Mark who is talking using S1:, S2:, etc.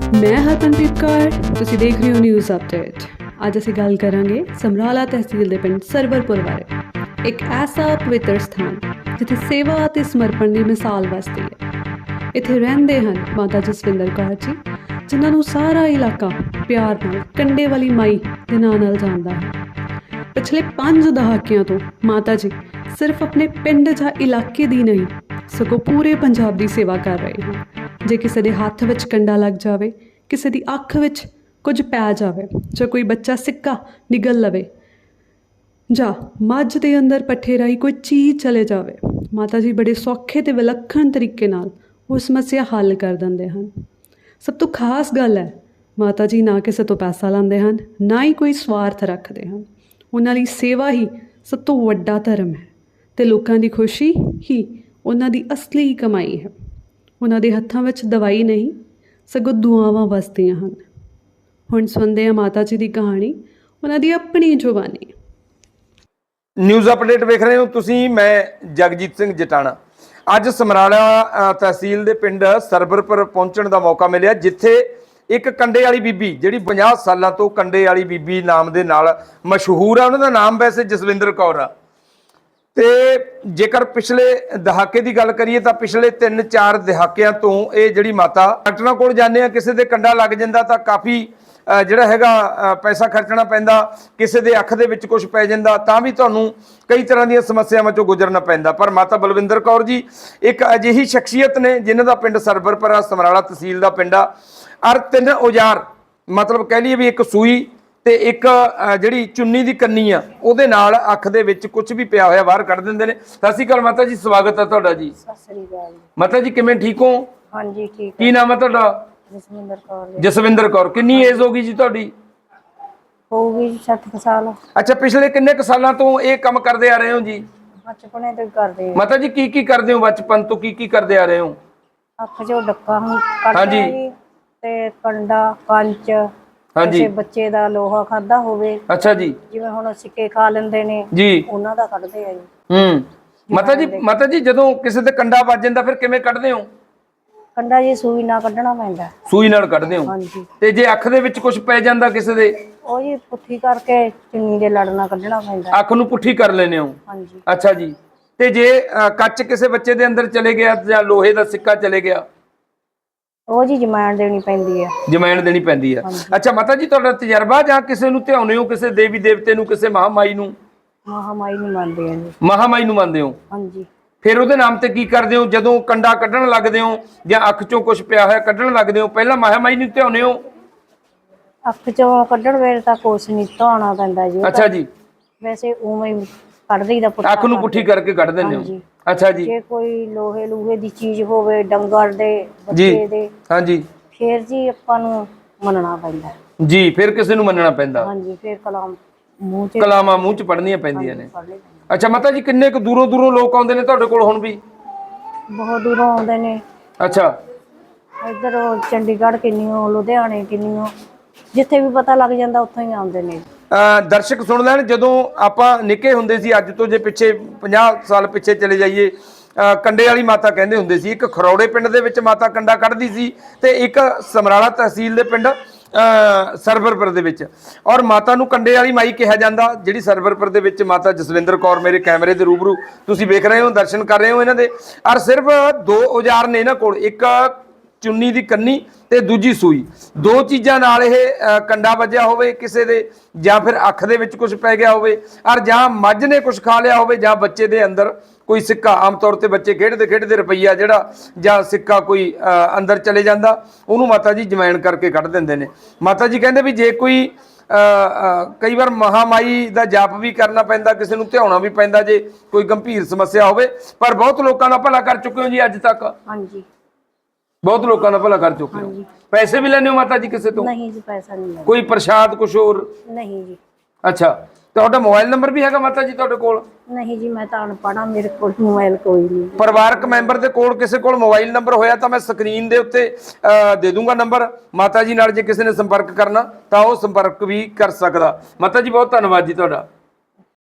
S1: मैं हरमनप्रीत कौर, ਤੁਸੀਂ ਦੇਖ ਰਹੇ ਹੋ ਨਿਊਜ਼ ਅਪਡੇਟ। ਅੱਜ ਅਸੀਂ ਗੱਲ ਕਰਾਂਗੇ ਸਮਰਾਲਾ ਤਹਿਸੀਲ ਦੇ ਪਿੰਡ ਸਰਵਰਪੁਰ ਬਾਰੇ। ਇੱਕ ਐਸਾ ਪਵਿੱਤਰ ਸਥਾਨ ਜਿੱਥੇ ਸੇਵਾ ਅਤੇ ਸਮਰਪਣ ਦੀ ਮਿਸਾਲ ਵਸਦੀ ਹੈ। ਇੱਥੇ ਰਹਿੰਦੇ ਹਨ ਮਾਤਾ ਜਸਵਿੰਦਰ ਕੌਰ ਜੀ, ਜਿਨ੍ਹਾਂ ਨੂੰ ਸਾਰਾ ਇਲਾਕਾ ਪਿਆਰ ਨਾਲ ਕੰਡੇ ਵਾਲੀ ਮਾਈ ਦੇ ਨਾਂ ਨਾਲ ਜਾਣਦਾ ਹੈ। ਪਿਛਲੇ 5 ਦਹਾਕਿਆਂ ਤੋਂ ਮਾਤਾ ਜੀ ਸਿਰਫ ਆਪਣੇ ਪਿੰਡ ਜਾਂ ਇਲਾਕੇ ਦੀ ਨਹੀਂ, ਸਗੋਂ ਪੂਰੇ ਪੰਜਾਬ ਦੀ ਸੇਵਾ ਕਰ ਰਹੇ ਹਨ। ਜੇ ਕਿਸੇ ਦੇ ਹੱਥ ਵਿੱਚ ਕੰਡਾ ਲੱਗ ਜਾਵੇ, ਕਿਸੇ ਦੀ ਅੱਖ ਵਿੱਚ ਕੁਝ ਪੈ ਜਾਵੇ, ਜਾਂ ਕੋਈ ਬੱਚਾ ਸਿੱਕਾ ਨਿਗਲ ਲਵੇ, ਜਾਂ ਮੱਝ ਦੇ ਅੰਦਰ ਪੱਠੇ ਰਾਹੀਂ ਕੋਈ ਚੀਜ਼ ਚਲੇ ਜਾਵੇ, ਮਾਤਾ ਜੀ ਬੜੇ ਸੌਖੇ ਅਤੇ ਵਿਲੱਖਣ ਤਰੀਕੇ ਨਾਲ ਉਹ ਸਮੱਸਿਆ ਹੱਲ ਕਰ ਦਿੰਦੇ ਹਨ। ਸਭ ਤੋਂ ਖਾਸ ਗੱਲ ਹੈ, ਮਾਤਾ ਜੀ ਨਾ ਕਿਸੇ ਤੋਂ ਪੈਸਾ ਲੈਂਦੇ ਹਨ, ਨਾ ਹੀ ਕੋਈ ਸਵਾਰਥ ਰੱਖਦੇ ਹਨ। ਉਹਨਾਂ ਲਈ ਸੇਵਾ ਹੀ ਸਭ ਤੋਂ ਵੱਡਾ ਧਰਮ ਹੈ ਅਤੇ ਲੋਕਾਂ ਦੀ ਖੁਸ਼ੀ ਹੀ ਉਹਨਾਂ ਦੀ ਅਸਲੀ ਕਮਾਈ ਹੈ। ਉਹਨਾਂ ਦੇ ਹੱਥਾਂ ਵਿੱਚ ਦਵਾਈ ਨਹੀਂ, ਸਗੋਂ ਦੁਆਵਾਂ ਵਸਦੀਆਂ ਹਨ। ਹੁਣ ਸੁਣਦੇ ਹਾਂ ਮਾਤਾ ਜੀ ਦੀ ਕਹਾਣੀ, ਉਹਨਾਂ ਦੀ ਆਪਣੀ ਜ਼ੁਬਾਨੀ।
S2: ਨਿਊਜ਼ ਅਪਡੇਟ ਵੇਖ ਰਹੇ ਹੋ ਤੁਸੀਂ, ਮੈਂ ਜਗਜੀਤ ਸਿੰਘ ਜਟਾਣਾ। ਅੱਜ ਸਮਰਾਲਾ ਤਹਿਸੀਲ ਦੇ ਪਿੰਡ ਸਰਵਰਪੁਰ ਪਹੁੰਚਣ ਦਾ ਮੌਕਾ ਮਿਲਿਆ, ਜਿੱਥੇ ਇੱਕ ਕੰਡੇ ਵਾਲੀ ਬੀਬੀ, ਜਿਹੜੀ 50 ਸਾਲਾਂ ਤੋਂ ਕੰਡੇ ਵਾਲੀ ਬੀਬੀ ਨਾਮ ਦੇ ਨਾਲ ਮਸ਼ਹੂਰ ਆ। ਉਹਨਾਂ ਦਾ ਨਾਮ ਵੈਸੇ ਜਸਵਿੰਦਰ ਕੌਰ ਆ। ਤੇ ਜੇਕਰ ਪਿਛਲੇ ਦਹਾਕੇ ਦੀ ਗੱਲ ਕਰੀਏ ਤਾਂ ਪਿਛਲੇ 3-4 ਦਹਾਕਿਆਂ ਤੋਂ ਇਹ ਜਿਹੜੀ ਮਾਤਾ ਡਾਕਟਰਾਂ ਕੋਲ ਜਾਂਦੇ ਆ, ਕਿਸੇ ਦੇ ਕੰਡਾ ਲੱਗ ਜਾਂਦਾ ਤਾਂ ਕਾਫੀ ਜਿਹੜਾ ਹੈਗਾ ਪੈਸਾ ਖਰਚਣਾ ਪੈਂਦਾ, ਕਿਸੇ ਦੇ ਅੱਖ ਦੇ ਵਿੱਚ ਕੁਝ ਪੈ ਜਾਂਦਾ ਤਾਂ ਵੀ ਤੁਹਾਨੂੰ ਕਈ ਤਰ੍ਹਾਂ ਦੀਆਂ ਸਮੱਸਿਆਵਾਂ ਚੋਂ ਗੁਜ਼ਰਨਾ ਪੈਂਦਾ। ਪਰ ਮਾਤਾ ਬਲਵਿੰਦਰ ਕੌਰ ਜੀ ਇੱਕ ਅਜਿਹੀ ਸ਼ਖਸੀਅਤ ਨੇ ਜਿਨ੍ਹਾਂ ਦਾ ਪਿੰਡ ਸਰਵਰਪੁਰ ਸਮਰਾਲਾ ਤਹਿਸੀਲ ਦਾ ਪਿੰਡ ਆ। ਔਰ 3 ਔਜ਼ਾਰ, ਮਤਲਬ ਕਹਿ ਲਈਏ ਵੀ ਇੱਕ ਸੂਈ ਤੇ ਇੱਕ ਜਿਹੜੀ ਚੁੰਨੀ ਦੀ ਕੰਨੀ ਆ, ਉਹਦੇ ਨਾਲ ਅੱਖ ਦੇ ਵਿੱਚ ਕੁਝ ਵੀ ਪਿਆ ਹੋਇਆ ਬਾਹਰ ਕੱਢ ਦਿੰਦੇ ਨੇ। ਸਤਿ ਸ਼੍ਰੀ ਅਕਾਲ ਮਾਤਾ ਜੀ, ਸਵਾਗਤ ਹੈ ਤੁਹਾਡਾ ਜੀ।
S3: ਸਤਿ ਸ੍ਰੀ ਅਕਾਲ
S2: ਮਾਤਾ ਜੀ, ਕਿਵੇਂ, ਠੀਕ ਹੋ?
S3: ਹਾਂਜੀ ਠੀਕ।
S2: ਕੀ ਨਾਮ ਹੈ ਤੁਹਾਡਾ?
S3: ਜਸਵਿੰਦਰ ਕੌਰ।
S2: ਜਸਵਿੰਦਰ ਕੌਰ। ਕਿੰਨੀ ਏਜ ਹੋ ਗਈ ਜੀ ਤੁਹਾਡੀ?
S3: ਹੋਊਗੀ 60 ਸਾਲ।
S2: ਅੱਛਾ, ਪਿਛਲੇ ਕਿੰਨੇ ਕੁ ਸਾਲਾਂ ਤੋਂ ਇਹ ਕੰਮ ਕਰਦੇ ਆ ਰਹੇ ਹੋ ਜੀ?
S3: ਬਚਪਨੇ ਤੋਂ ਕਰਦੇ।
S2: ਮਾਤਾ ਜੀ ਕੀ ਕਰਦੇ ਹੋ ਬਚਪਨ ਤੋਂ, ਕੀ ਕਰਦੇ ਆ ਰਹੇ ਹੋ?
S3: ਅੱਖ ਚੋਂ ਡੱਕਾ ਕੱਢਦੇ ਜੀ, ਤੇ ਕੰਡਾ, ਕੰਚ, ਕਿਸੇ ਬੱਚੇ ਦਾ ਲੋਹਾ ਖਾਦਾ ਹੋਵੇ।
S2: ਅੱਛਾ ਜੀ।
S3: ਜਿਵੇਂ ਹੁਣ ਸਿੱਕੇ ਖਾ ਲੈਂਦੇ ਨੇ
S2: ਜੀ, ਉਹਨਾਂ
S3: ਦਾ ਕੱਢਦੇ ਆ ਜੀ।
S2: ਮਾਤਾ ਜੀ ਜਦੋਂ ਕਿਸੇ ਦੇ ਕੰਡਾ ਵੱਜ ਜਾਂਦਾ ਫਿਰ ਕਿਵੇਂ ਕੱਢਦੇ ਹੋ?
S3: ਕੰਡਾ ਜੀ ਸੂਈ ਨਾਲ ਕੱਢਣਾ ਪੈਂਦਾ।
S2: ਸੂਈ ਨਾਲ ਕੱਢਦੇ ਹੋ? ਹਾਂਜੀ। ਤੇ ਜੇ ਅੱਖ ਦੇ ਵਿੱਚ ਕੁਝ ਪੈ ਜਾਂਦਾ ਕਿਸੇ ਦੇ?
S3: ਉਹ ਜੀ ਪੁੱਠੀ ਕਰਕੇ ਚੁੰਨੀ ਦੇ ਲੜ ਨਾਲ ਕੱਢਣਾ ਪੈਂਦਾ।
S2: ਅੱਖ ਨੂੰ ਪੁੱਠੀ ਕਰ ਲੈਨੇ ਹੋ? ਹਾਂਜੀ। ਅੱਛਾ ਜੀ। ਤੇ ਜੇ ਕੱਚ ਕਿਸੇ ਬੱਚੇ ਦੇ ਅੰਦਰ ਚਲੇ ਗਿਆ ਜਾਂ ਲੋਹੇ ਦਾ ਸਿੱਕਾ ਚਲੇ ਗਿਆ?
S3: ਉਹ ਜੀ ਜਮੈਣ ਦੇਣੀ ਪੈਂਦੀ ਹੈ।
S2: ਜਮੈਣ ਦੇਣੀ ਪੈਂਦੀ ਹੈ। ਅੱਛਾ ਮਾਤਾ ਜੀ, ਤੁਹਾਡਾ ਤਜਰਬਾ ਜਾਂ ਕਿਸੇ ਨੂੰ ਧਿਆਉਂਦੇ ਹੋ, ਕਿਸੇ ਦੇਵੀ ਦੇਵਤੇ ਨੂੰ, ਕਿਸੇ ਮਹਾਮਾਈ ਨੂੰ?
S3: ਮਹਾਮਾਈ ਨੂੰ ਮੰਨਦੇ ਆ ਜੀ।
S2: ਮਹਾਮਾਈ ਨੂੰ ਮੰਨਦੇ ਹੋ? ਹਾਂਜੀ। ਫਿਰ ਉਹਦੇ ਨਾਮ ਤੇ ਕੀ ਕਰਦੇ ਹੋ? ਜਦੋਂ ਕੰਡਾ ਕੱਢਣ ਲੱਗਦੇ ਹੋ ਜਾਂ ਅੱਖ ਚੋਂ ਕੁਝ ਪਿਆ ਹੋਇਆ ਕੱਢਣ ਲੱਗਦੇ ਹੋ, ਪਹਿਲਾਂ ਮਹਾਮਾਈ ਨੂੰ ਧਿਆਉਂਦੇ ਹੋ?
S3: ਅੱਖ ਚੋਂ ਕੱਢਣ ਵੇਲੇ ਤਾਂ ਕੁਛ ਨਹੀਂ, ਧੋਣਾ ਪੈਂਦਾ ਜੀ।
S2: ਅੱਛਾ ਜੀ।
S3: ਵੈਸੇ ਉਵੇਂ ਹੀ ਕੱਢ ਦਈਦਾ,
S2: ਅੱਖ ਨੂੰ ਪੁੱਠੀ ਕਰਕੇ ਕੱਢ ਦਿੰਦੇ ਹੋ? ਅੱਛਾ ਜੀ।
S3: ਜੇ ਕੋਈ ਲੋਹੇ ਲੂਹੇ ਦੀ ਚੀਜ਼ ਹੋਵੇ, ਡੰਗਰ ਦੇ, ਬੱਚੇ ਦੇ, ਹਾਂਜੀ, ਫਿਰ ਜੀ ਆਪਾਂ ਨੂੰ ਮੰਨਣਾ ਪੈਂਦਾ
S2: ਜੀ। ਫਿਰ ਕਿਸੇ ਨੂੰ ਮੰਨਣਾ ਪੈਂਦਾ?
S3: ਹਾਂਜੀ। ਫਿਰ
S2: ਕਲਾਮਾਂ ਮੂੰਹ ਚ ਪੜਨੀਆਂ ਪੈਂਦੀਆਂ ਨੇ। ਅੱਛਾ ਮਾਤਾ ਜੀ, ਕਿੰਨੇ ਕੁ ਦੂਰੋਂ ਲੋਕ ਆਉਂਦੇ ਨੇ ਤੁਹਾਡੇ ਕੋਲ ਹੁਣ ਵੀ?
S3: ਬਹੁਤ ਦੂਰੋਂ ਆਉਂਦੇ ਨੇ।
S2: ਅੱਛਾ।
S3: ਇੱਧਰ ਚੰਡੀਗੜ੍ਹ ਕਿੰਨੀਓ, ਲੁਧਿਆਣੇ ਕਿੰਨੀਓ, ਜਿੱਥੇ ਵੀ ਪਤਾ ਲੱਗ ਜਾਂਦਾ ਉੱਥੋਂ ਹੀ ਆਉਂਦੇ ਨੇ।
S2: ਦਰਸ਼ਕ ਸੁਣ ਲੈਣ, ਜਦੋਂ ਆਪਾਂ ਨਿੱਕੇ ਹੁੰਦੇ ਸੀ, ਅੱਜ ਤੋਂ ਜੇ ਪਿੱਛੇ 50 ਸਾਲ ਪਿੱਛੇ ਚਲੇ ਜਾਈਏ, ਕੰਡੇ ਵਾਲੀ ਮਾਤਾ ਕਹਿੰਦੇ ਹੁੰਦੇ ਸੀ। ਇੱਕ ਖਰੌੜੇ ਪਿੰਡ ਦੇ ਵਿੱਚ ਮਾਤਾ ਕੰਡਾ ਕੱਢਦੀ ਸੀ ਤੇ ਇੱਕ ਸਮਰਾਲਾ ਤਹਿਸੀਲ ਦੇ ਪਿੰਡ ਸਰਵਰਪੁਰ ਦੇ ਵਿੱਚ। ਔਰ ਮਾਤਾ ਨੂੰ ਕੰਡੇ ਵਾਲੀ ਮਾਈ ਕਿਹਾ ਜਾਂਦਾ, ਜਿਹੜੀ ਸਰਵਰਪੁਰ ਦੇ ਵਿੱਚ ਮਾਤਾ ਜਸਵਿੰਦਰ ਕੌਰ ਮੇਰੇ ਕੈਮਰੇ ਦੇ ਰੂਬਰੂ ਤੁਸੀਂ ਵੇਖ ਰਹੇ ਹੋ, ਦਰਸ਼ਨ ਕਰ ਰਹੇ ਹੋ ਇਹਨਾਂ ਦੇ। ਔਰ ਸਿਰਫ 2 ਔਜ਼ਾਰ ਨੇ ਇਹਨਾਂ ਕੋਲ, ਇੱਕ ਚੁੰਨੀ ਦੀ ਕੰਨੀ ਤੇ ਦੂਜੀ ਸੂਈ। 2 ਚੀਜ਼ਾਂ ਨਾਲ ਇਹ ਕੰਡਾ ਵੱਜਿਆ ਹੋਵੇ ਕਿਸੇ ਦੇ, ਜਾਂ ਫਿਰ ਅੱਖ ਦੇ ਵਿੱਚ ਕੁਝ ਪੈ ਗਿਆ ਹੋਵੇ, ਔਰ ਜਾਂ ਮੱਝ ਨੇ ਕੁਝ ਖਾ ਲਿਆ ਹੋਵੇ, ਜਾਂ ਬੱਚੇ ਦੇ ਅੰਦਰ ਕੋਈ ਸਿੱਕਾ, ਆਮ ਤੌਰ ਤੇ ਬੱਚੇ ਖੇਡਦੇ ਰੁਪਈਆ ਜਿਹੜਾ ਜਾਂ ਸਿੱਕਾ ਕੋਈ ਅੰਦਰ ਚਲੇ ਜਾਂਦਾ, ਉਹਨੂੰ ਮਾਤਾ ਜੀ ਜਮੈਣ ਕਰਕੇ ਕੱਢ ਦਿੰਦੇ ਨੇ। ਮਾਤਾ ਜੀ ਕਹਿੰਦੇ ਵੀ ਜੇ ਕੋਈ ਕਈ ਵਾਰ ਮਹਾਮਾਈ ਦਾ ਜਾਪ ਵੀ ਕਰਨਾ ਪੈਂਦਾ, ਕਿਸੇ ਨੂੰ ਧਿਆਉਣਾ ਵੀ ਪੈਂਦਾ ਜੇ ਕੋਈ ਗੰਭੀਰ ਸਮੱਸਿਆ ਹੋਵੇ। ਪਰ ਬਹੁਤ ਲੋਕਾਂ ਦਾ ਭਲਾ ਕਰ ਚੁੱਕੇ ਹੋ ਜੀ ਅੱਜ ਤੱਕ? ਹਾਂਜੀ, ਬਹੁਤ ਲੋਕਾਂ ਦਾ ਭਲਾ ਕਰ ਚੁੱਕੇ ਹੋ। ਪੈਸੇ ਵੀ ਲੈਣੇ ਹੋ ਮਾਤਾ ਜੀ ਕਿਸੇ ਤੋਂ? ਨਹੀਂ ਜੀ, ਪੈਸਾ ਨਹੀਂ ਲੈਂਦੇ। ਕੋਈ ਪ੍ਰਸ਼ਾਦ ਕੁਝ ਹੋਰ? ਨਹੀਂ ਜੀ। ਅੱਛਾ, ਤੁਹਾਡਾ ਮੋਬਾਈਲ ਨੰਬਰ ਵੀ ਹੈਗਾ ਮਾਤਾ ਜੀ ਤੁਹਾਡੇ ਕੋਲ? ਨਹੀਂ ਜੀ, ਮੈਂ ਤਾਂ ਅਨਪੜ੍ਹ ਹਾਂ, ਮੇਰੇ ਕੋਲ ਮੋਬਾਈਲ ਕੋਈ ਨਹੀਂ। ਪਰਿਵਾਰਕ ਮੈਂਬਰ ਦੇ ਕੋਲ ਕਿਸੇ ਕੋਲ ਮੋਬਾਈਲ ਨੰਬਰ ਹੋਇਆ ਤਾਂ ਮੈਂ ਸਕਰੀਨ ਦੇ ਉੱਤੇ ਦੇ ਦੂੰਗਾ ਨੰਬਰ। ਮਾਤਾ ਜੀ ਨਾਲ ਜੇ ਕਿਸੇ ਨੇ ਸੰਪਰਕ ਕਰਨਾ ਤਾਂ ਉਹ ਸੰਪਰਕ ਵੀ ਕਰ ਸਕਦਾ। ਮਾਤਾ ਜੀ ਬਹੁਤ ਧੰਨਵਾਦ ਜੀ ਤੁਹਾਡਾ।